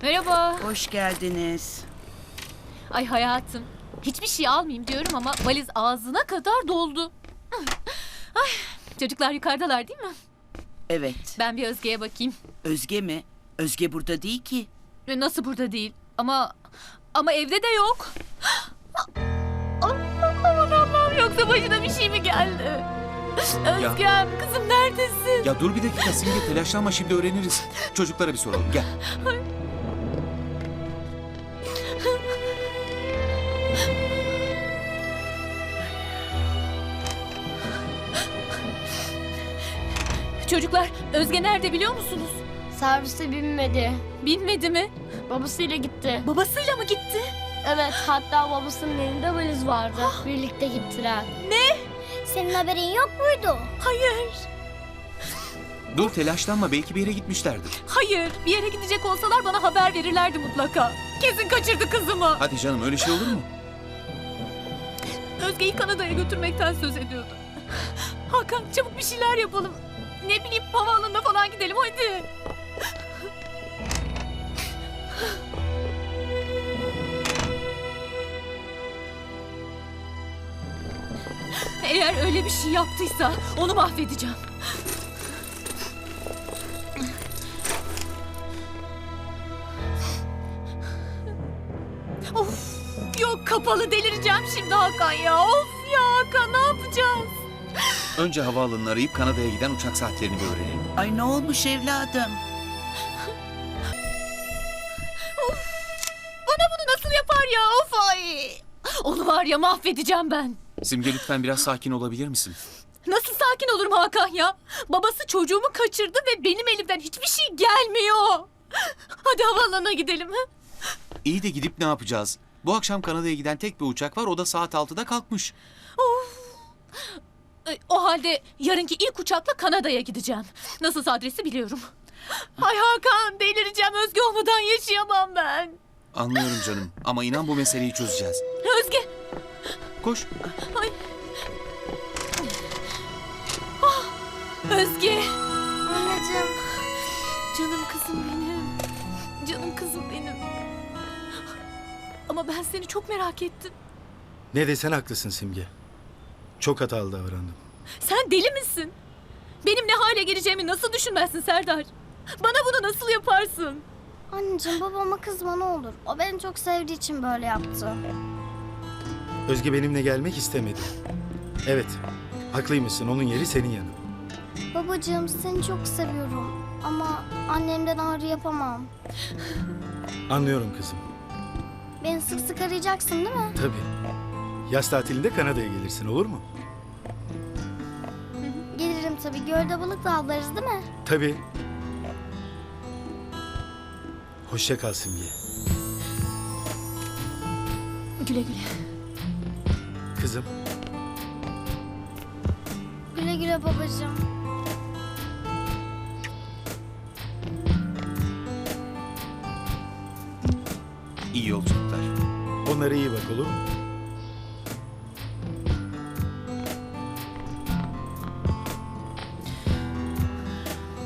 Merhaba. Hoş geldiniz. Ay hayatım. Hiçbir şey almayayım diyorum ama valiz ağzına kadar doldu. Ay, çocuklar yukarıdalar değil mi? Evet. Ben bir Özge'ye bakayım. Özge mi? Özge burada değil ki. Nasıl burada değil? Ama evde de yok. Aman Allah'ım, yoksa başına bir şey mi geldi? Özgem, kızım neredesin? Ya dur bir dakika Simge, telaşlanma, şimdi öğreniriz. Çocuklara bir soralım, gel. Çocuklar, Özge nerede biliyor musunuz? Servise binmedi. Binmedi mi? Babasıyla gitti. Babasıyla mı gitti? Evet, hatta babasının elinde valiz vardı. Birlikte gittiler. Senin haberin yok muydu? Hayır. Dur telaşlanma, belki bir yere gitmişlerdir. Hayır, bir yere gidecek olsalar bana haber verirlerdi mutlaka. Kesin kaçırdı kızımı. Hadi canım, öyle şey olur mu? Özge'yi Kanada'ya götürmekten söz ediyordu. Hakan, çabuk bir şeyler yapalım. Ne bileyim, havaalanına falan gidelim hadi. Eğer öyle bir şey yaptıysa onu mahvedeceğim. Of, yok kapalı, delireceğim şimdi Hakan ya. Of ya Hakan, ne yapacağız? Önce havaalanını arayıp Kanada'ya giden uçak saatlerini bir öğrenelim. Ay ne olmuş evladım? Bana bunu nasıl yapar ya, of ay. Onu var ya, mahvedeceğim ben. Simge lütfen biraz sakin olabilir misin? Nasıl sakin olurum Hakan ya? Babası çocuğumu kaçırdı ve benim elimden hiçbir şey gelmiyor. Hadi havaalanına gidelim. Ha? İyi de gidip ne yapacağız? Bu akşam Kanada'ya giden tek bir uçak var, o da saat 6'da kalkmış. Of. O halde yarınki ilk uçakla Kanada'ya gideceğim. Nasılsa adresi biliyorum. Ay Hakan, delireceğim. Özge olmadan yaşayamam ben. Anlıyorum canım, ama inan bu meseleyi çözeceğiz. Özge. Koş. Ay. Ah, Özge. Anneciğim. Canım kızım benim. Canım kızım benim. Ama ben seni çok merak ettim. Ne desen haklısın Simge. Çok hatalı davrandım. Sen deli misin? Benim ne hale geleceğimi nasıl düşünmezsin Serdar? Bana bunu nasıl yaparsın? Anneciğim babama kızma ne olur. O beni çok sevdiği için böyle yaptı. Özge benimle gelmek istemedi. Evet, haklıymışsın. Onun yeri senin yanın. Babacığım seni çok seviyorum. Ama annemden ağrı yapamam. Anlıyorum kızım. Beni sık sık arayacaksın değil mi? Tabii. Yaz tatilinde Kanada'ya gelirsin, olur mu? Gelirim tabii. Gölde balık da avlarız değil mi? Tabii. Hoşça kal Simge. Güle güle. Kızım, Güle güle babacığım. İyi yolculuklar. onlara iyi bak, olur mu?